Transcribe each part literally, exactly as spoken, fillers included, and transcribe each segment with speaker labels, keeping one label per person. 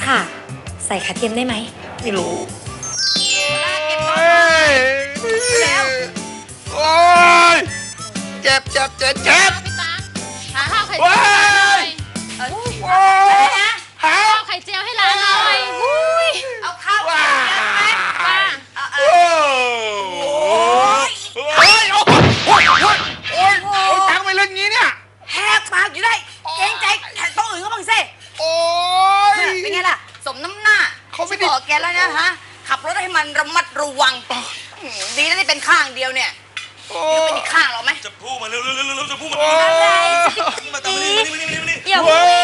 Speaker 1: ค่ะ ใส่ขาเทียมได้ไหม
Speaker 2: ไม่รู้
Speaker 3: แล้ว
Speaker 2: โอ้ยเจ็บเจ็บเจ็บเจ็บ
Speaker 4: พี่ตั๊กหาข้าวไข่เจียวให้ร้านหน่อย
Speaker 2: โอ้ยหา
Speaker 4: ข้าวไข่เจียวให้ร้านหน่อยอุ้ย
Speaker 3: เอาข้าวมาป้า
Speaker 2: โอ้ยโอ้ยโอ้ยโอ้ยโอ้ยโอ้ยโอ้ยตังไปเล่นงี้เนี่ย
Speaker 3: แหกปากอยู่ได้เกรงใจแขกโต๊ะอื่นก็บ้างสิ
Speaker 2: โอ้ย
Speaker 3: เป็นไงล่ะสมน้ำหน้า
Speaker 2: เขาไม่ได้
Speaker 3: บอกแกแล้วนะฮะขับรถให้มันระมัดระวังดีนะที่เป็นข้างเดียวเนี่ยเป็นอีกข้างหรอไหม
Speaker 5: จะพูดมาเร็วเร็วเร็วเร็วจะพูดมา
Speaker 2: โอ้
Speaker 5: อะไร
Speaker 2: ย
Speaker 5: มาตามมานี่มานี่มานี่มานี่
Speaker 1: อย่าพูดสิ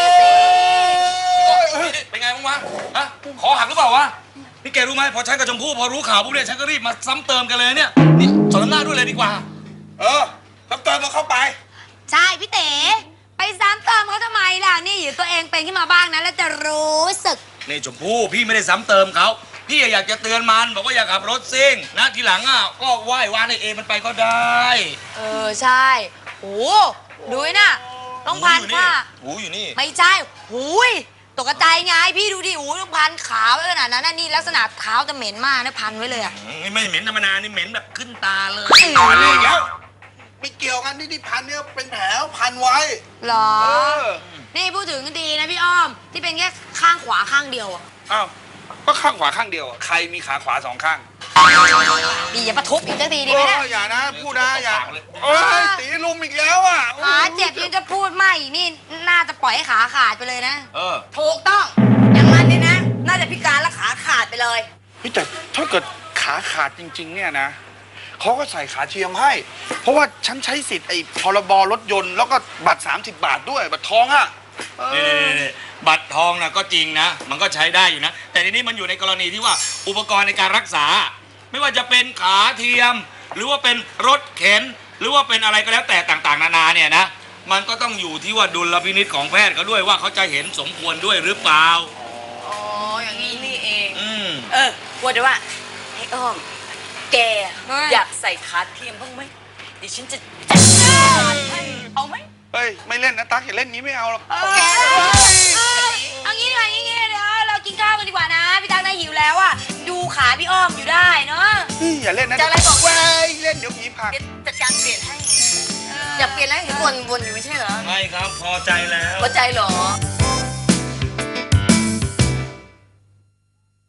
Speaker 5: เป็นไงบ้างวะฮะขอหักหรือเปล่าวะนี่แกรู้ไหมพอฉันกับชมพู่พอรู้ข่าวปุ๊บเนี่ยฉันก็รีบมาซ้ำเติมกันเลยเนี่ยนี่สอนน้ำหน้าด้วยเลยดีกว่า
Speaker 2: เออน้ำเติมมาเข้าไป
Speaker 3: ใช่พี่เต๋ไปซ้ำเติมเขาทำไมล่ะนี่อยู่ตัวเองเป็นขึ้นมาบ้างนะแล้วจะรู้สึก
Speaker 5: นี่ชมพู่พี่ไม่ได้ซ้ำเติมเขาพี่อยากจะเตือนมันบอกว่าอย่าขับรถซิ่งนะทีหลังอ่ะก็ไหว้วานในเอมันไปก็ได้
Speaker 3: เออใช่โหดูน่ะต้องพันค่ะ
Speaker 5: หูอยู่นี่
Speaker 3: ไม่ใช่หูยตกใจไงพี่ดูดิหูต้องพันขาวขนาดนั้นนี่ลักษณะเท้าจะเหม็นมากนะพันไว้เลยอ่ะ
Speaker 5: ไม่เหม็นธรรมดานี่เหม็นแบบขึ้นตาเลย
Speaker 2: พันเลยแล้วไม่เกี่ยวกันนี่ที่พันเนี่ยเป็นแผลพันไว้
Speaker 3: หรอ
Speaker 2: เออ
Speaker 3: นี่พูดถึงก็ดีนะพี่อ้อมที่เป็นแค่ข้างขวาข้างเดียวอ่ะ
Speaker 2: อ้าวก็ข้างขวาข้างเดียวอะใครมีขาขวาสองข้าง
Speaker 3: ดีอย่าประทุบอีกสักทีดีไหม
Speaker 2: เอ
Speaker 3: เนี่ย
Speaker 2: ออย่านะพูดนะอย่าโอ้ยตีลุมอีกแล้วอ่ะ
Speaker 3: ขาเจ็บยังจะพูดไม่อีกนี่น่าจะปล่อยให้ขาขาดไปเลยนะ
Speaker 5: เออ
Speaker 3: ถูกต้องอย่างนั้นเนี่ยนะ น่าจะพิการและขาขาดไปเลย
Speaker 2: พี่แต่ถ้าเกิดขาขาดจริง ๆ เนี่ยนะเขาก็ใส่ขาเทียมให้ เพราะว่าฉันใช้สิทธิ์ไอ้พรบรถยนต์แล้วก็บัตร สามสิบบาทด้วยบัตรทองอ่ะเออ
Speaker 5: นี่ๆๆบัตรทองนะก็จริงนะ มันก็ใช้ได้อยู่นะ แต่ทีนี้มันอยู่ในกรณีที่ว่าอุปกรณ์ในการรักษา ไม่ว่าจะเป็นขาเทียม หรือว่าเป็นรถเข็น หรือว่าเป็นอะไรก็แล้วแต่ต่างๆ นานาเนี่ยนะ มันก็ต้องอยู่ที่ว่าดุลพินิจของแพทย์เขาด้วยว่าเขาจะเห็นสมควรด้วยหรือเปล่า
Speaker 3: อ๋ออย่างนี้นี่เอง
Speaker 5: อืม
Speaker 3: เออว่าแต่ว่าไอ้อ้อม แกอยากใส่ขาเทียมบ้างไหมดิฉันจะจัดการให้เอาไหม
Speaker 2: เฮ้ยไม่เล่นนะตั๊กอย่าเล่นงี้ไม่เอาหรอก
Speaker 3: แกเอางี้ดีกว่างี้เดี๋ยวเรากินข้าวกันดีกว่านะพี่ตั๊กน่าหิวแล้วอ่ะดูขาพี่อ้อมอยู่ได้เนาะ
Speaker 2: นี่อย่าเล่นนะ
Speaker 3: จะอะไรบอก
Speaker 2: เว้ยเล่นเดี๋ยวผีผลัก
Speaker 3: เดี๋ยวจัดการเปลี่ยนให้อยากเปลี่ยนแล้วเห็นวนวนอยู่ไม่ใช่เหรอ
Speaker 5: ไม่ครับพอใจแล้ว
Speaker 3: พอใจเหรอ